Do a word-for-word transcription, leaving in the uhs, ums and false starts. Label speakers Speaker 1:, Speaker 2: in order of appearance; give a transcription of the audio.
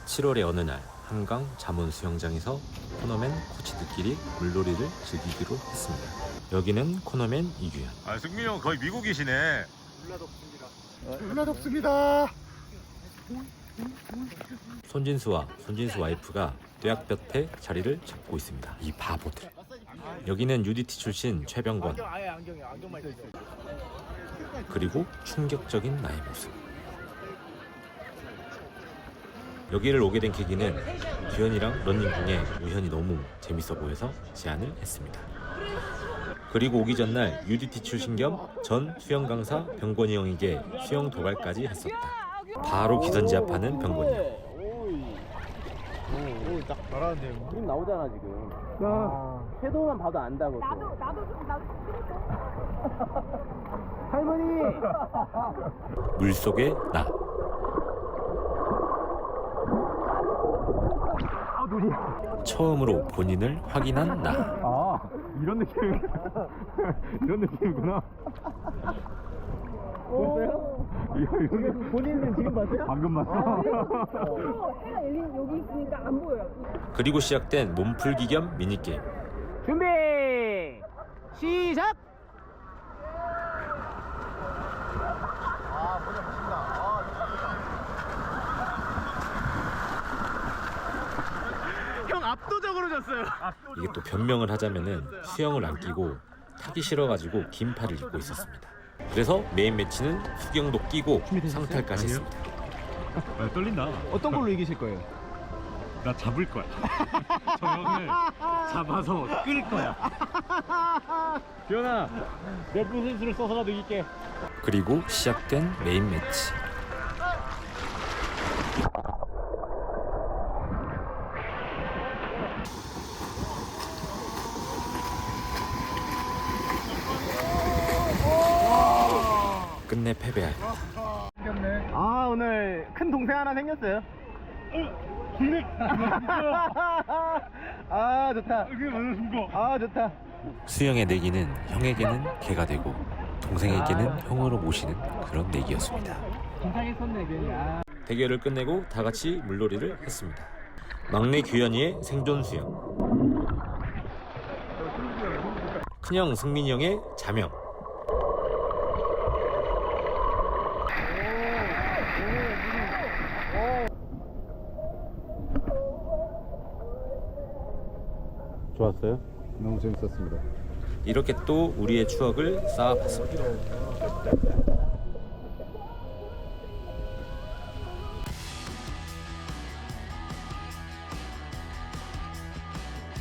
Speaker 1: 칠월의 어느 날 한강 잠원 수영장에서 코너맨 코치들끼리 물놀이를 즐기기로 했습니다. 여기는 코너맨 이규현.
Speaker 2: 아, 승민이 형 거의 미국이시네.
Speaker 3: 졸라 덥습니다. 졸라 덥습니다.
Speaker 1: 손진수와 손진수 와이프가 뙤약볕에 자리를 잡고 있습니다. 이 바보들. 여기는 유디티 출신 최병권. 그리고 충격적인 나의 모습. 여기를 오게 된 계기는 규현이랑 러닝 중에 우현이 너무 재밌어 보여서 제안을 했습니다. 그리고 오기 전날 유디티 출신 겸 전 수영 강사 병권이 형에게 수영 도발까지 했었다. 바로 기선제압하는 병권이 형.
Speaker 3: 오, 딱 잘하는데.
Speaker 4: 그림 나오잖아 지금.
Speaker 3: 야,
Speaker 4: 섀도우만 봐도 안다고.
Speaker 5: 나도 나도 좀 나도
Speaker 4: 할머니.
Speaker 1: 물속의 나.
Speaker 3: 아 눈이.
Speaker 1: 처음으로 본인을 확인한 나.
Speaker 3: 아 이런 느낌. 이런 느낌이구나. 보셨어요? 이거 이거
Speaker 4: 본인은 지금 봤어요?
Speaker 3: 방금 봤어.
Speaker 5: 또 해가 열린 여기 있으니까 안 보여요.
Speaker 1: 그리고 시작된 몸풀기 겸 미니게임.
Speaker 4: 준비 시작. 형 압도적으로 졌어요.
Speaker 1: 이게 또 변명을 하자면은 수영을 안 끼고 타기 싫어가지고 긴 팔을 입고 있었습니다. 그래서 메인 매치는 수경도 끼고 상탈까지 했습니다.
Speaker 2: 아, 떨린다.
Speaker 4: 어떤 걸로 이기실 거예요?
Speaker 2: 나 잡을 거야. 저 형을 잡아서 끌 거야. 규현아, 몇 분 선수를 써서라도 이길게.
Speaker 1: 그리고 시작된 메인 매치. 끝내 패배할.
Speaker 4: 아 오늘 큰 동생 하나 생겼어요. 아 좋다. 아 좋다.
Speaker 1: 수영의 내기는 형에게는 개가 되고 동생에게는 형으로 모시는 그런 내기였습니다.
Speaker 4: 긴장했었네 괜히.
Speaker 1: 대결을 끝내고 다 같이 물놀이를 했습니다. 막내 규현이의 생존 수영, 큰형 승민이 형의 자명, 좋았어요?
Speaker 3: 너무 재밌었습니다.
Speaker 1: 이렇게 또 우리의 추억을 쌓아봤습니다.